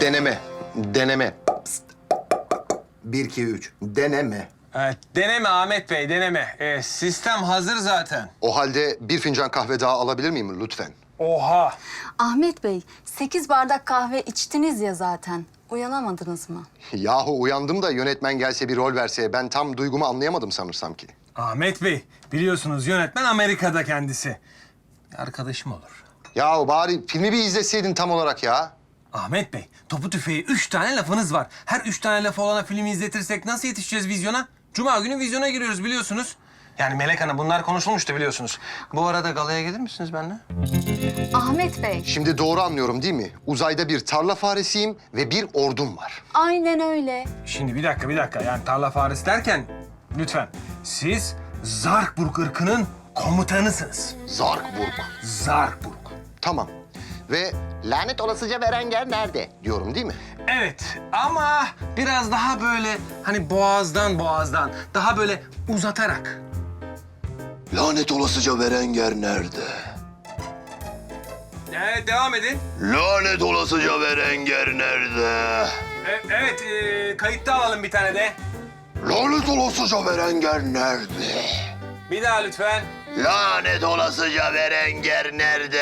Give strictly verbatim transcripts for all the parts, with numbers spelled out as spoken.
Deneme. Deneme. Pst. Bir, iki, üç. Deneme. Evet, deneme Ahmet Bey, deneme. Ee, sistem hazır zaten. O halde bir fincan kahve daha alabilir miyim lütfen? Oha! Ahmet Bey, sekiz bardak kahve içtiniz ya zaten. Uyanamadınız mı? Yahu uyandım da yönetmen gelse bir rol verse ben tam duygumu anlayamadım sanırsam ki. Ahmet Bey, biliyorsunuz yönetmen Amerika'da kendisi. Arkadaşım olur. Yahu bari filmi bir izleseydin tam olarak ya. Ahmet Bey, topu tüfeği üç tane lafınız var. Her üç tane lafı olana filmi izletirsek nasıl yetişeceğiz vizyona? Cuma günü vizyona giriyoruz biliyorsunuz. Yani Melek Hanım bunlar konuşulmuştu biliyorsunuz. Bu arada galaya gelir misiniz benimle? Ahmet Bey, Şimdi doğru anlıyorum değil mi? Uzayda bir tarla faresiyim ve bir ordum var. aynen öyle. Şimdi bir dakika, bir dakika. Yani tarla faresi derken lütfen siz Zarkburg ırkının komutanısınız. Zarkburg. Zarkburg. Tamam. Ve lanet olasıca Berenger nerede diyorum değil mi? Evet ama biraz daha böyle hani boğazdan boğazdan daha böyle uzatarak. Lanet olasıca Berenger nerede? Evet devam edin. Lanet olasıca Berenger nerede? E, evet e, kayıtta alalım bir tane de. Lanet olasıca Berenger nerede? Bir daha lütfen. Lanet olasıca Berenger nerede?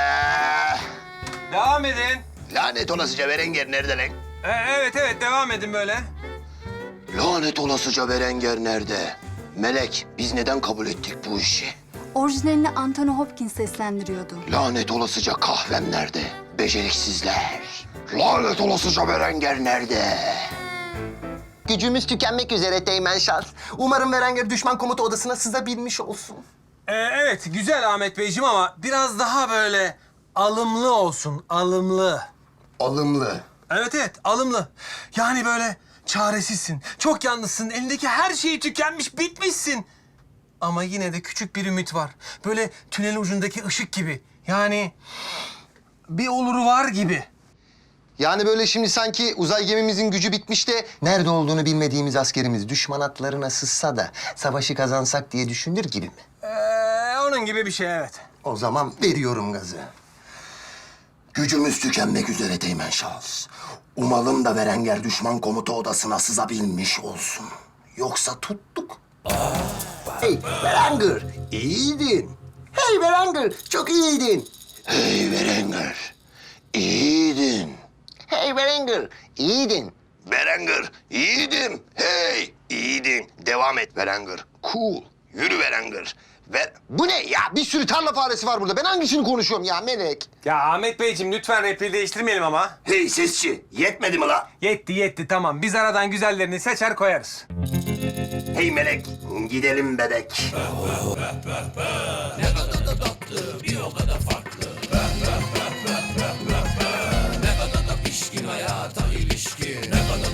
Devam edin. Lanet olasıca Berenger nerede lan? E, evet evet devam edin böyle. Lanet olasıca Berenger nerede? Melek, biz neden kabul ettik bu işi? Orijinalini Anthony Hopkins seslendiriyordu. Lanet olasıca kahvem nerede? Beceriksizler. Lanet olasıca Berenger nerede? Gücümüz tükenmek üzere Teğmen Şans. Umarım Berenger düşman komuta odasına sızabilmiş olsun. E, evet güzel Ahmet Beyciğim ama biraz daha böyle alımlı olsun, alımlı. Alımlı. Evet evet alımlı. Yani böyle çaresizsin, çok yalnızsın, elindeki her şeyi tükenmiş, bitmişsin. Ama yine de küçük bir ümit var. Böyle tünel ucundaki ışık gibi. Yani bir oluru var gibi. Yani böyle şimdi sanki uzay gemimizin gücü bitmiş de nerede olduğunu bilmediğimiz askerimiz düşman atlarına sızsa da savaşı kazansak diye düşünür gibi mi? Ee, onun gibi bir şey evet. O zaman veriyorum gazı. Gücümüz tükenmek üzere Teğmen Şahıs. Umalım da Berenger düşman komuta odasına sızabilmiş olsun. Yoksa tuttuk. Hey Berenger, iyiydin. Hey Berenger, çok iyiydin. Hey Berenger, iyiydin. Hey Berenger, iyiydin. Berenger, iyiydim. Hey, iyiydin. Devam et Berenger. Cool. Yürü Berenger. Ver. Bu ne ya? Bir sürü tarla faresi var burada. Ben hangisini konuşuyorum ya Melek? Ya Ahmet Beyciğim lütfen repliği değiştirmeyelim ama. Hey sesçi, yetmedi mi la? Yetti yetti tamam. Biz aradan güzellerini seçer koyarız. Hey Melek, gidelim bebek.